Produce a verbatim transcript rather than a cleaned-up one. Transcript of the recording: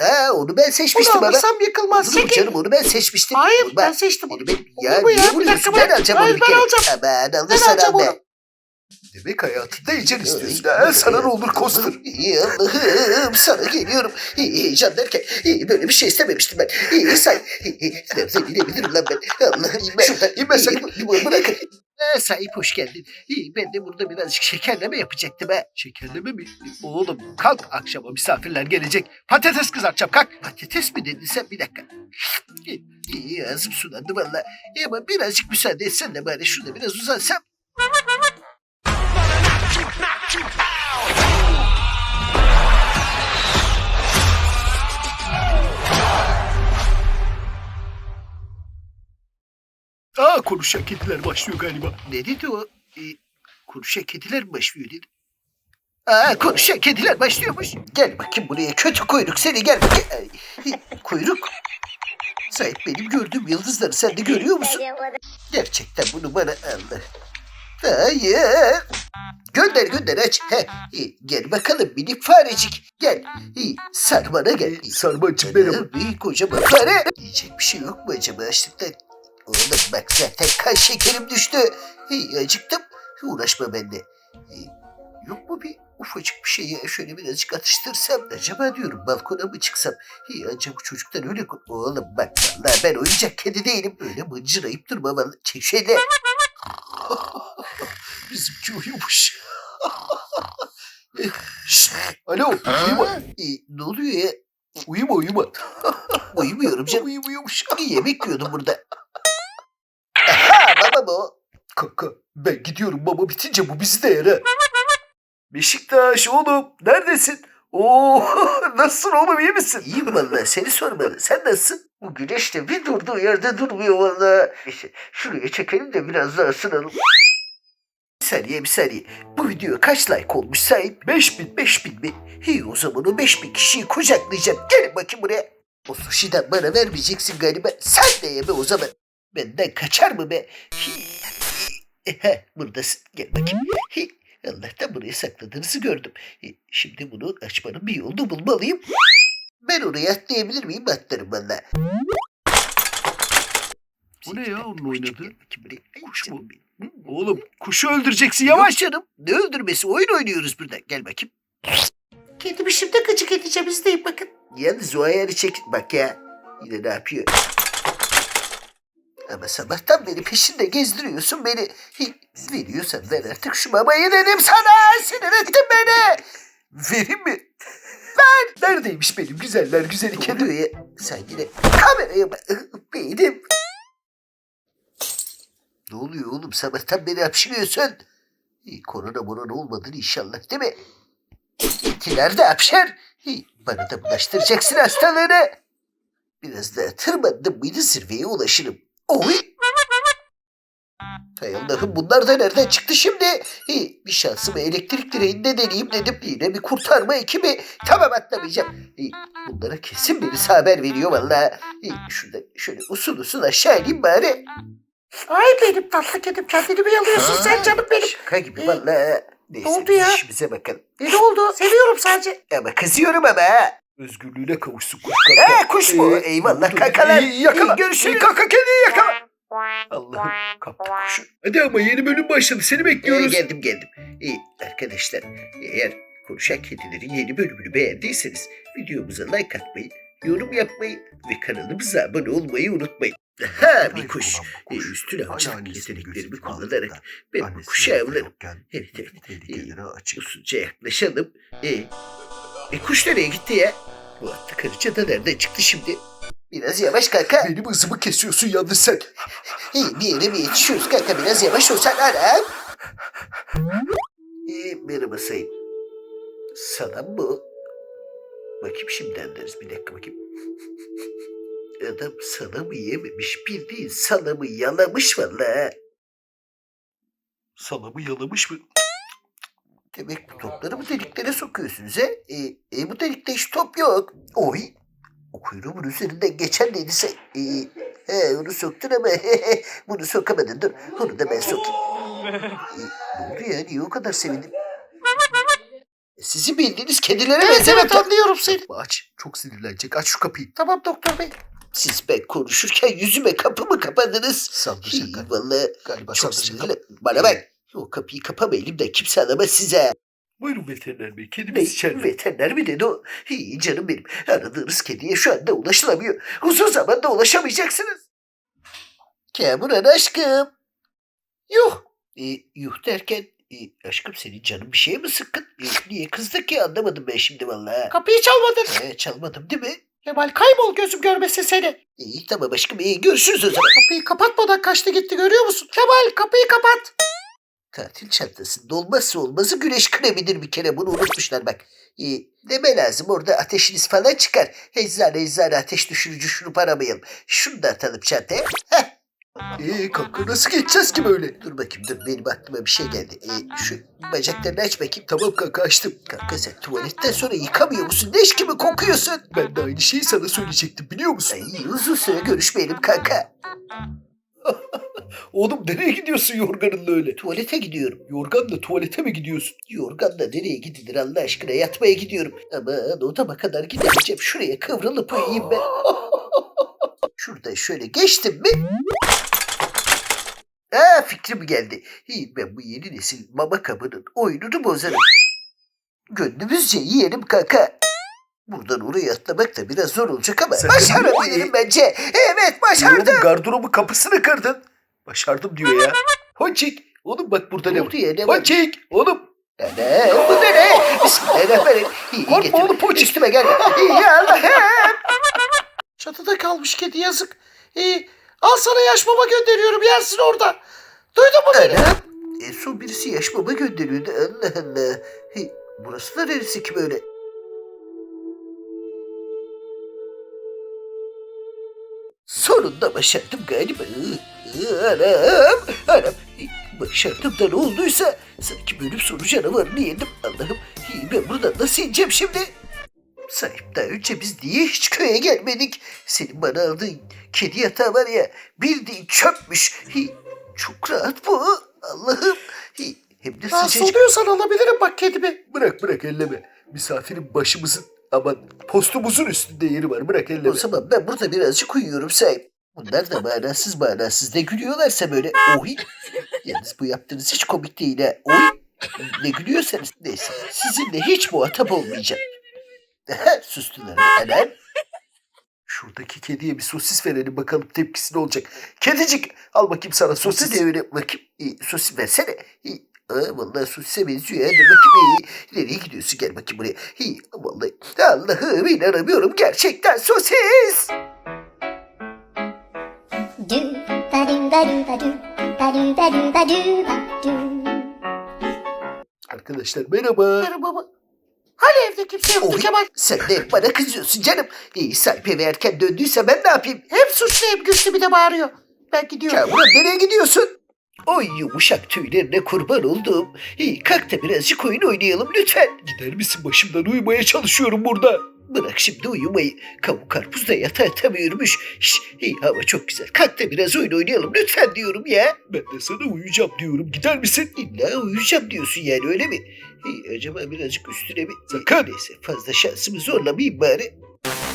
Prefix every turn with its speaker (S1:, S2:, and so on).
S1: Ha, onu ben seçmiştim
S2: Bunu
S1: ama.
S2: alırsam yıkılmaz.
S1: Olur mu
S2: Çekil.
S1: canım, onu ben seçmiştim.
S2: Hayır
S1: Onu
S2: ben seçtim onu.
S1: onu ben,
S2: Olur
S1: ya
S2: mu ya?
S1: niye
S2: Bir
S1: vuruyorsun?
S2: dakika
S1: Ben
S2: bırak.
S1: alacağım
S2: Hayır,
S1: onu bir
S2: ben
S1: kere.
S2: alacağım.
S1: Aman
S2: Ben
S1: alırsan
S2: alacağım
S1: al
S2: onu.
S1: be.
S3: Demek hayatında ecel istiyorsun
S1: Ay,
S3: ha? Sana roller coaster.
S1: Ay, Allah'ım sana geliyorum. Heyecan derken ay, böyle bir şey istememiştim ben. Ay, say. Ay, nereden inebilirim lan ben? Allah'ım ben.
S3: Şuradan inmesek.
S1: Ay, bu- Bırakın. Ha, sahip hoş geldin. İyi, ben de burada birazcık şekerleme yapacaktım ha.
S3: Şekerleme mi? Oğlum kalk, akşama misafirler gelecek. Patates kızartacağım, kalk.
S1: Patates mi dedin sen? Bir dakika. İyi, iyi, ağzım sulandı valla. İyi ama birazcık müsaade etsen de bari şurada biraz uzansam.
S3: Aa, konuşan kediler başlıyor galiba.
S1: Ne dedi o? Ee, konuşan kediler mi başlıyor dedi? Aa, konuşan kediler başlıyormuş. Gel bakayım buraya kötü kuyruk seni gel. Ay, kuyruk. Sahip benim gördüğüm yıldızları sen de görüyor musun? Gerçekten bunu bana Allah. Hayır. Gönder gönder aç. He, iyi, gel bakalım minik farecik. Gel. İyi, sarmana gel. İyi,
S3: Sarmancık merhaba.
S1: Bir kocaman fare. Yiyecek bir şey yok mu acaba açlıktan? Oğlum bak zaten kan şekerim düştü. İyi, acıktım. Uğraşma benimle. İyi, yok mu bir ufacık bir şeyi şöyle birazcık atıştırsam? Acaba diyorum balkona mı çıksam? İyi, ancak bu çocuklar öyle... Oğlum bak vallahi ben oyuncak kedi değilim. Öyle mıncırayıp durma vallahi. Çek şöyle.
S3: Bizimki uyumuş. Şşt, alo, uyuma.
S1: Ee, ne oluyor ya?
S3: Uyuma, uyuma.
S1: Uyumuyorum canım.
S3: Uyumuyormuş.
S1: Yemek yiyordum burada. Aha baba bu.
S3: Kanka, ben gidiyorum, baba bitince bu bizi de yer ha. Beşiktaş oğlum, neredesin? Oo, nasılsın oğlum, iyi misin?
S1: İyiyim vallahi seni sormalı. Sen nasılsın? Bu güneş de bir durduğu yerde durmuyor vallahi. İşte şuraya çekelim de biraz daha ısınalım. Bir saniye bir saniye. Bu video kaç like olmuş sahip?
S3: Beş bin.
S1: Beş bin mi? İyi o zaman o beş bin kişiyi kucaklayacağım. Gelin bakayım buraya. O sushi'den bana vermeyeceksin galiba. Sen de yeme o zaman. Benden kaçar mı be? Hi- Heh, buradasın. Gel bakayım. Hi. Allah'tan buraya sakladığınızı gördüm. E, Şimdi bunu açmanın bir yolunu bulmalıyım. Ben oraya atlayabilir miyim? Atlarım valla.
S3: Bu ne ya onun oynadığı?
S1: Kuş mu?
S3: Oğlum, kuşu öldüreceksin, yavaş.
S1: Yavaş canım. Ne öldürmesi? Oyun oynuyoruz burada. Gel bakayım.
S2: Kedimi şimdi gıcık edeceğim izleyin bakın.
S1: Yalnız o ayarı çek. Bak ya. Yine ne yapıyor? Ama sabahtan beri peşinde gezdiriyorsun beni. Hi, veriyorsan ver artık şu mamayı dedim sana. Sinir ettin beni.
S3: Vereyim mi? Ver. Neredeymiş benim güzeller güzeli kedi?
S1: Kedi ya. Sen yine kameraya bak. Benim. Ne oluyor oğlum? Sabahtan beri hapşırıyorsun. İyi, korona morona olmadın inşallah değil mi? İkiler de hapşır. İyi, bana da bulaştıracaksın hastalığını. Biraz daha tırmandım mıydı zirveye ulaşırım. Oy! Hay Allah'ım bunlar da nereden çıktı şimdi? İyi, bir şansımı elektrik direğinde deneyeyim dedim. Yine bir kurtarma ekibi. Tamam atlamayacağım. İyi, bunlara kesin birisi haber veriyor vallahi. İyi, şurada şöyle usul usul aşağı ineyim bari.
S2: Ay benim tatlı kedim kendini mi yalıyorsun sen canım benim?
S1: Şaka gibi vallahi. Neyse,
S2: oldu
S1: biz
S2: ya?
S1: işimize bakalım.
S2: E, ne oldu? Seviyorum sadece.
S1: Ama kızıyorum ama ha.
S3: Özgürlüğüne kavuşsun kuş kanka.
S1: Ha kuş mu?
S3: Ee,
S1: Eyvallah
S3: dur,
S1: kakalar.
S3: iyi, yakala.
S1: İyi, görüşürüz.
S3: İyi, kaka kediyi yakala. Allah'ım, kaptı kuşu. Hadi ama yeni bölüm başladı, seni
S1: Ee,
S3: bekliyoruz.
S1: geldim geldim. İyi arkadaşlar, eğer konuşan kedilerin yeni bölümünü beğendiyseniz videomuza like atmayı, yorum yapmayı ve kanalımıza abone olmayı unutmayın. Ha bir kuş. Ee, üstün avcılık yeteneklerimi kullanarak ben bu kuşu avlarım. Evet evet. Ee, usulca yaklaşalım. Ee, e, kuş nereye gitti ya? Bu atlı karıca da nereden çıktı şimdi? Biraz yavaş kanka.
S3: Benim hızımı kesiyorsun yalnız sen.
S1: İyi bir yere mi yetişiyoruz kanka? Biraz yavaş olsan anam. Ee, merhaba sayın. Salam bu. Bakayım şimdi anlarız. Bir dakika bakayım. Adam salamı yememiş. Bildiğin salamı yalamış valla.
S3: Salamı yalamış mı?
S1: Demek bu topları bu deliklere sokuyorsunuz he? E, e, bu delikte hiç top yok. Oy. O kuyruğumun üzerinden geçen neydi sen? E, he, onu soktun ama bunu sokamadın. Dur onu da ben sokayım. E, ne oldu ya? Niye o kadar sevindim? Sizin bildiğiniz kedilere
S2: Evet
S1: benzemek.
S2: evet anlıyorum seni.
S3: Aç. Çok sinirlenecek. Aç şu kapıyı.
S2: Tamam doktor bey.
S1: Siz ben konuşurken yüzüme kapı mı kapadınız?
S3: Saldıracak
S1: Hii,
S3: galiba.
S1: vallahi
S3: Galiba
S1: çok
S3: saldıracak.
S1: sinirli. Bana bak. O kapıyı kapama elimden kimse alamaz size.
S3: Buyurun veteriner bey.
S1: Ne?
S3: Kedimiz içeride.
S1: Veteriner mi dedi o? Hii, canım benim. Aradığınız kediye şu anda ulaşılamıyor. Uzun zamanda ulaşamayacaksınız. Kamuran aşkım. Yuh. E, yuh derken e, aşkım senin canın bir şeye mi sıkkın? E, niye kızdın ki anlamadım ben şimdi vallahi.
S2: Kapıyı çalmadın.
S1: E, çalmadım değil mi?
S2: Kemal kaybol gözüm görmesin seni.
S1: İyi tamam aşkım iyi görüşürüz o zaman.
S2: Kapıyı kapatmadan kaçtı gitti görüyor musun? Kemal kapıyı kapat.
S1: Tatil çantasında olmazsa olmazı güneş kremidir bir kere bunu unutmuşlar bak. E, deme lazım orada ateşiniz falan çıkar. Eczane eczane ateş düşürücü şurup aramayalım. Şunu da atalım çantaya. Heh.
S3: Eee kanka nasıl geçeceğiz ki böyle?
S1: Dur bakayım dur benim aklıma bir şey geldi. E, şu bacaklarını aç bakayım.
S3: Tamam kanka açtım.
S1: Kanka sen tuvaletten sonra yıkamıyor musun? Leş gibi kokuyorsun.
S3: Ben de aynı şeyi sana söyleyecektim biliyor musun?
S1: Ay uzun süre görüşmeyelim kanka.
S3: Oğlum nereye gidiyorsun yorganınla öyle?
S1: Tuvalete gidiyorum.
S3: Yorganla tuvalete mi gidiyorsun?
S1: Yorganla nereye gidilir Allah aşkına yatmaya gidiyorum. Ama odama kadar gidemeyeceğim. Şuraya kıvrılıp uyuyayım ben. Şuradan şöyle geçtim mi? Aa fikrim geldi. İyi ben bu yeni nesil mama kabının oyununu bozarım. Gönlümüzce yiyelim kanka. Buradan oraya atlamak da biraz zor olacak ama
S3: Sakın
S1: başarabilirim
S3: değil.
S1: bence. Evet başardım.
S3: Oğlum gardırobun kapısını kırdın. Başardım diyor ya. Honçik. Oğlum bak burada
S1: Ne
S3: ne
S1: oldu
S3: var?
S1: ya ne var?
S3: Honçik. Oğlum.
S1: Ne? Bu ne ne? Bismillahirrahmanirrahim. İyi
S3: Korkma
S1: getir.
S3: oğlum, poçik.
S1: Üstüme gel. İyi Allah'ım.
S2: Çatıda kalmış kedi yazık. İyi. Al sana yaş mama gönderiyorum yersin orada. Duydun mu beni?
S1: Anam. En son birisi yaş baba gönderiyordu. Allah Allah. Hey, burası da neresi ki böyle? Sonunda başardım galiba. Iı, ıı, Anam. Anam. Hey, Başardım da ne olduysa sanki bölüm sonu canavarını yedim. Allah'ım. Hey, ben buradan nasıl ineceğim şimdi? Sahip daha önce biz niye hiç köye gelmedik? Senin bana aldığın kedi yatağı var ya bildiğin çöpmüş. Hey, çok rahat bu. Allah'ım. Hey, hem de
S2: Rahatsız
S1: sıcacık.
S2: oluyorsan alabilirim bak kedimi.
S3: Bırak bırak elleme. Misafirin başımızın aman postumuzun üstünde yeri var. Bırak
S1: O
S3: elleme.
S1: zaman ben burada birazcık uyuyorum sahip. Bunlar da manasız manasız ne gülüyorlarsa böyle. Oy. Yalnız bu yaptığınız hiç komik değil ha. Oy. Ne gülüyorsanız neyse. Sizinle hiç muhatap olmayacağım. Sustular. Anam.
S3: Şuradaki kediye bir sosis verelim bakalım tepkisi ne olacak. Kedicik al bakayım sana sosis.
S1: Sosis devre bakayım. İyi, sosis versene. İyi. Aa, vallahi sosise benziyor ya. Dur bakayım. İyi. Nereye gidiyorsun? Gel bakayım buraya. İyi. Vallahi Allah'ım inanamıyorum. Gerçekten sosis.
S4: Do ba do ba do ba do ba do ba do ba do ba do.
S3: Arkadaşlar merhaba.
S2: Merhaba baba. Hani evde kimse yoktu
S1: Oy,
S2: Kemal?
S1: sen de hep bana kızıyorsun canım. İyi sahip eve erken döndüyse ben ne yapayım?
S2: Hem suçlu hem güçlü bir de bağırıyor. Ben gidiyorum.
S1: Kamuran nereye gidiyorsun? Oy yumuşak tüylerine kurban oldum. İyi kalk da birazcık oyun oynayalım lütfen.
S3: Gider misin başımdan uyumaya çalışıyorum burada.
S1: Bırak şimdi uyumayı. Kavuk karpuz da yatağa yatamıyormuş. Şş, iyi hava çok güzel. Kalk da biraz oyun oynayalım lütfen diyorum ya.
S3: Ben de sana uyuyacağım diyorum. Gider misin?
S1: İlla uyuyacağım diyorsun yani öyle mi? İyi acaba birazcık üstüne mi?
S3: Sakın.
S1: Neyse fazla şansımı zorlamayayım bari.